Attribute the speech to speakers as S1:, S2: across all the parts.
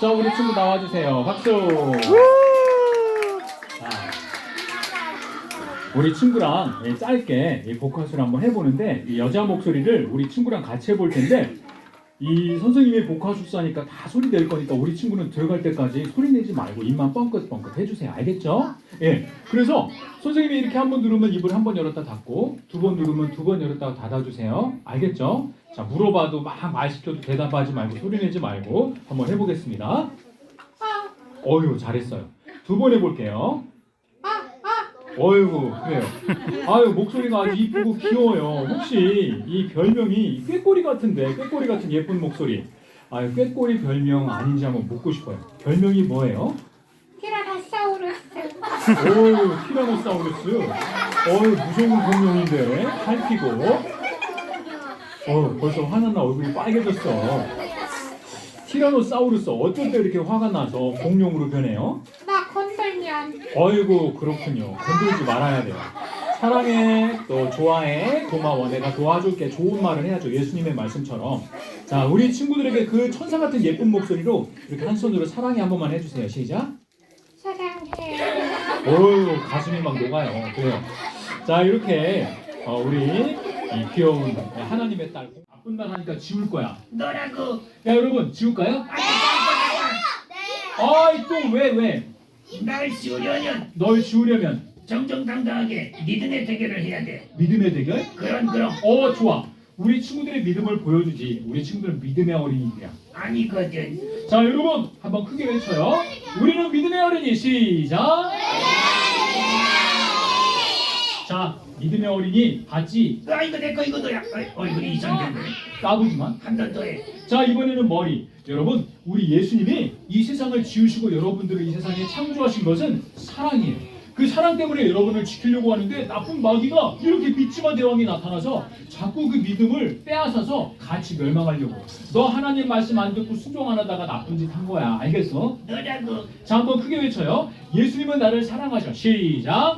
S1: 자, 우리 친구 나와주세요. 박수. 자, 우리 친구랑 짧게 이 보컬수를 한번 해보는데 이 여자 목소리를 우리 친구랑 같이 해볼 텐데 이 선생님이 보컬수사니까 다 소리 낼 거니까 우리 친구는 들어갈 때까지 소리 내지 말고 입만 뻥긋뻥긋 해주세요. 알겠죠? 예. 그래서 선생님이 이렇게 한 번 누르면 입을 한 번 열었다 닫고 두 번 누르면 두 번 열었다 닫아주세요. 알겠죠? 자, 물어봐도 막 말 시켜도 대답하지 말고 소리 내지 말고 한번 해보겠습니다. 어휴, 잘했어요. 두 번 해볼게요. 어이구, 그래요. 아유, 목소리가 아주 이쁘고 귀여워요. 혹시 이 별명이 꾀꼬리 같은데, 꾀꼬리 같은 예쁜 목소리. 아유, 꾀꼬리 별명 아닌지 한번 묻고 싶어요. 별명이 뭐예요?
S2: 티라노사우루스.
S1: 어유, 티라노사우루스. 어유, 무서운 공룡인데, 살피고. 벌써 화났나 얼굴이 빨개졌어. 티라노사우루스, 어쩔 때 이렇게 화가 나서 공룡으로 변해요?
S2: 나 건들면.
S1: 어이구, 그렇군요. 건들지 말아야 돼요. 사랑해, 또 좋아해, 고마워, 내가 도와줄게, 좋은 말을 해야죠. 예수님의 말씀처럼. 자, 우리 친구들에게 그 천사 같은 예쁜 목소리로 이렇게 한 손으로 사랑해 한 번만 해주세요. 시작.
S2: 사랑해.
S1: 어휴, 가슴이 막 녹아요. 그래요. 자, 이렇게 우리 이 귀여운 하나님의 딸 나쁜 말 하니까 지울 거야.
S3: 너라고.
S1: 야, 여러분, 지울까요? 아이, 또 왜?
S3: 날 씌우려면
S1: 널 지우려면
S3: 정정당당하게 믿음의 대결을 해야 돼.
S1: 믿음의 대결?
S3: 그럼
S1: 좋아. 우리 친구들의 믿음을 보여주지. 우리 친구들은 믿음의 어린이들이야.
S3: 아니거든.
S1: 자, 여러분, 한번 크게 외쳐요. 우리는 믿음의 어린이. 시작. 자, 믿음의 어린이 봤지?
S3: 아 이거 내 거 이거 너야. 얼굴이 이상한데.
S1: 까부지만.
S3: 한 번 더 해.
S1: 자, 이번에는 머리. 여러분, 우리 예수님이 이 세상을 지으시고 여러분들을 이 세상에 창조하신 것은 사랑이에요. 그 사랑 때문에 여러분을 지키려고 하는데 나쁜 마귀가 이렇게 믿지마 대왕이 나타나서 자꾸 그 믿음을 빼앗아서 같이 멸망하려고. 너 하나님 말씀 안 듣고 순종 안 하다가 나쁜 짓 한 거야. 알겠어?
S3: 너라고.
S1: 자, 한번 크게 외쳐요. 예수님은 나를 사랑하셔. 시작.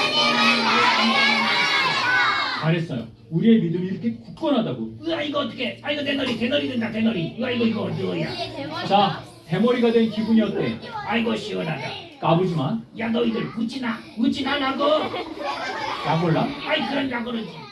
S1: 잘했어요. 우리의 믿음이 이렇게 굳건하다고.
S3: 으아 이거 어떻게? 아 이거 대너리 된다 대너리. 으아 이거 어디야?
S1: 자, 대머리가 된 기분이 어때?
S3: 아이고 시원하다.
S1: 까부지만.
S3: 야 너희들 웃지나 나고.
S1: 약 올라?
S3: 아이 그런 야 그러지.